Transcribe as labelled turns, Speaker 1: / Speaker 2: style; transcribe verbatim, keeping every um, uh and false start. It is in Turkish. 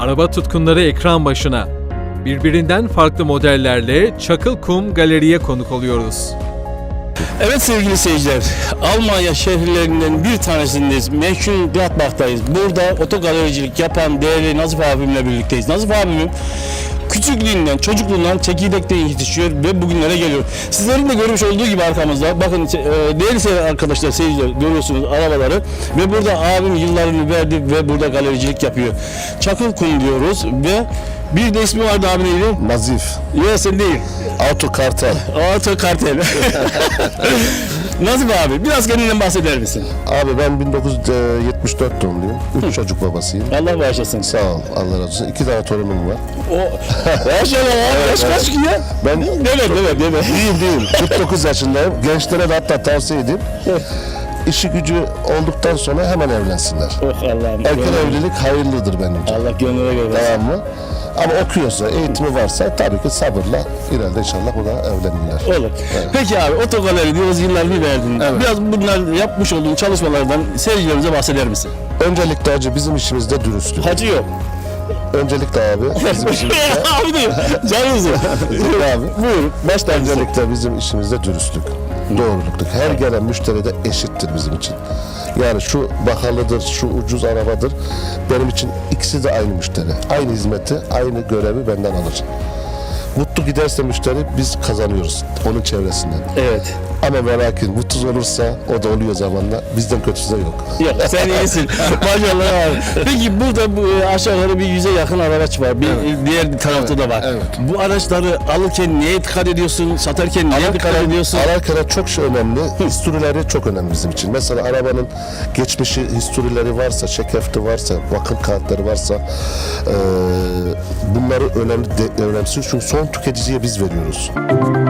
Speaker 1: Araba tutkunları ekran başına. Birbirinden farklı modellerle Çakılkum Galeri'ye konuk oluyoruz.
Speaker 2: Evet sevgili seyirciler, Almanya şehirlerinden bir tanesindeyiz. Meşhur Gladbach'tayız. Burada otogalericilik yapan değerli Nazif abimle birlikteyiz. Nazif abimim küçüklüğünden, çocukluğundan çekirdekten yetişiyor ve bugünlere geliyor. Sizlerin de görmüş olduğu gibi arkamızda, bakın değerli arkadaşlar, seyirciler görüyorsunuz arabaları ve burada abim yıllarını verdi ve burada galericilik yapıyor. Çakılkum diyoruz ve bir de ismi vardı abi, neydi?
Speaker 3: Nazif.
Speaker 2: Yok sen değil.
Speaker 3: Auto Kartel.
Speaker 2: Auto Kartel. Nazif abi biraz kendinden bahseder misin?
Speaker 3: Abi ben bin dokuz yüz yetmiş dört doğumluyum. Üç çocuk babasıyım.
Speaker 2: Allah bağışlasın.
Speaker 3: Sağ ol. Allah razı olsun. İki tane torunum var.
Speaker 2: O maşallah abi. Yaş kaç ki ya?
Speaker 3: Ben
Speaker 2: Deme deme deme.
Speaker 3: değil değil. kırk dokuz yaşındayım. Gençlere de hatta tavsiye edeyim. İşi gücü olduktan sonra hemen evlensinler.
Speaker 2: Oh Allah'ım.
Speaker 3: Erken evlilik hayırlıdır benim için.
Speaker 2: Allah gönlüne göre.
Speaker 3: Tamam mı? Ama okuyorsa, eğitimi varsa tabii ki sabırla ileride inşallah o da evlenirler.
Speaker 2: Olur.
Speaker 3: Evet.
Speaker 2: Peki abi otogaleri diyoruz, yıllarını verdin.
Speaker 3: Evet.
Speaker 2: Biraz bunlar yapmış olduğun çalışmalardan seyircilerimize bahseder misin?
Speaker 3: Öncelikle hacı bizim işimizde dürüstlük.
Speaker 2: Hacı yok.
Speaker 3: Öncelikle abi bizim işimizde
Speaker 2: abi diyor. Canınızı.
Speaker 3: abi.
Speaker 2: Buyur. Baştan
Speaker 3: Öncelikle bizim işimizde dürüstlük, doğruluk. Her gelen müşteri de eşittir bizim için. Yani şu bahalıdır, şu ucuz arabadır. Benim için ikisi de aynı müşteri. Aynı hizmeti, aynı görevi benden alır. Mutlu giderse müşteri biz kazanıyoruz onun çevresinden.
Speaker 2: Evet.
Speaker 3: Ama ve lakin mutsuz olursa o da oluyor zamanla. Bizden kötüsü de yok.
Speaker 2: Yok sen iyisin. Maşallah abi. Peki burada bu e, aşağı yukarı bir yüze yakın araç var. Bir
Speaker 3: Evet.
Speaker 2: diğer tarafta
Speaker 3: Evet,
Speaker 2: da var.
Speaker 3: evet.
Speaker 2: Bu araçları alırken neye dikkat ediyorsun? Satarken neye dikkat ediyorsun?
Speaker 3: Alırken çok şey önemli. Historileri çok önemli bizim için. Mesela arabanın geçmişi, historileri varsa, çekefti varsa, bakım kağıtları varsa e, bunları önemli de, önemsiz. Çünkü son tüketiciye biz veriyoruz.